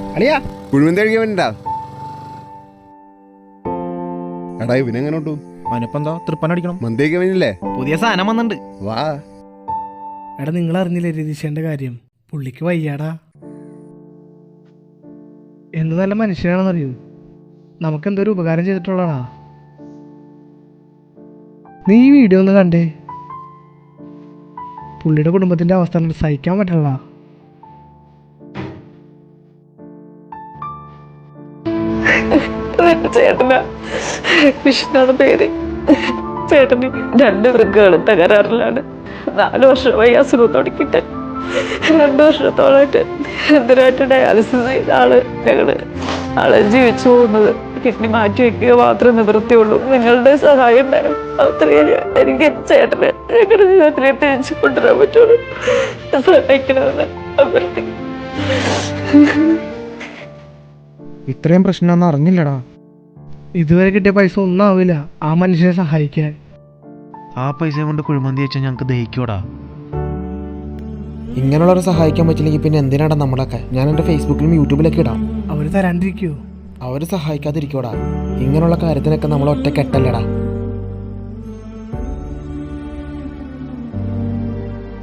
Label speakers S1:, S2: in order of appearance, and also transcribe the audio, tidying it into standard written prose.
S1: അളിയാ കുഴിമന്തി കഴിക്കാൻ വേണ്ടിട്ടാ. എടാ ഇവനെങ്ങനെ ഉണ്ടു?
S2: അവനിപ്പെന്താ തൃപ്പനടിക്കണം.
S1: മന്തി കഴിക്കാൻ വേണ്ടിയില്ലേ?
S2: പുതിയ സാധനം വന്നിട്ടുണ്ട്.
S1: വാ.
S3: എടാ നിങ്ങൾ അറിഞ്ഞില്ലേ രതീഷേന്റെ കാര്യം? പുള്ളിക്ക് വയ്യാടാ. എന്ത് നല്ല മനുഷ്യനാണെന്നറിയൂ. നമുക്കെന്തൊരു ഉപകാരം ചെയ്തിട്ടുള്ളതാ. നീ ഈ വീഡിയോ ഒന്ന് കണ്ടേ. പുള്ളിയുടെ കുടുംബത്തിന്റെ അവസ്ഥ സഹിക്കാൻ പറ്റില്ല.
S4: ചേട്ടനാ വിഷ്ണുവാണ് പേര്. ചേട്ടന് 2 വൃക്കകളും തകരാറിലാണ്. 4 വർഷമായി അസുഖം തുടങ്ങിയിട്ട് 2 വർഷത്തോളായിട്ട് എന്തിനായിട്ട് ഡയാലിസിസ് ചെയ്ത ആള് ജീവിച്ചു പോകുന്നത്. കിഡ്നി മാറ്റി വെക്കുക മാത്രമേ നിവൃത്തിയുള്ളൂ. നിങ്ങളുടെ സഹായം വേണം. അത്രയും എനിക്ക് ചേട്ടനെ ഞങ്ങളുടെ ജീവിതത്തിലേക്ക് തിരിച്ചു കൊണ്ടുവരാൻ പറ്റുള്ളൂ. സഹായിക്കണമെന്ന് അഭ്യർത്ഥിക്കുന്നു.
S2: ഇത്രയും പ്രശ്നമൊന്നും അറിഞ്ഞില്ലടാ.
S3: ഇതുവരെ കിട്ടിയ പൈസ ഒന്നും ആവില്ല ആ മനുഷ്യനെ സഹായിക്കാൻ.
S2: ആ പൈസ കൊണ്ട് കുഴിമന്തി വെച്ചാൽ ഞങ്ങൾക്ക് ദഹിക്കൂടാ.
S5: ഇങ്ങനെയുള്ളവരെ സഹായിക്കാൻ പറ്റില്ലെങ്കിൽ പിന്നെ എന്തിനാടാ നമ്മളൊക്കെ? ഞാൻ എൻ്റെ ഫേസ്ബുക്കിലും യൂട്യൂബിലൊക്കെ ഇടാം.
S3: അവര് തരാണ്ടിരിക്കോ?
S5: അവർ സഹായിക്കാതിരിക്കോടാ. ഇങ്ങനെയുള്ള കാര്യത്തിനൊക്കെ നമ്മൾ ഒറ്റക്കെട്ടല്ലടാ.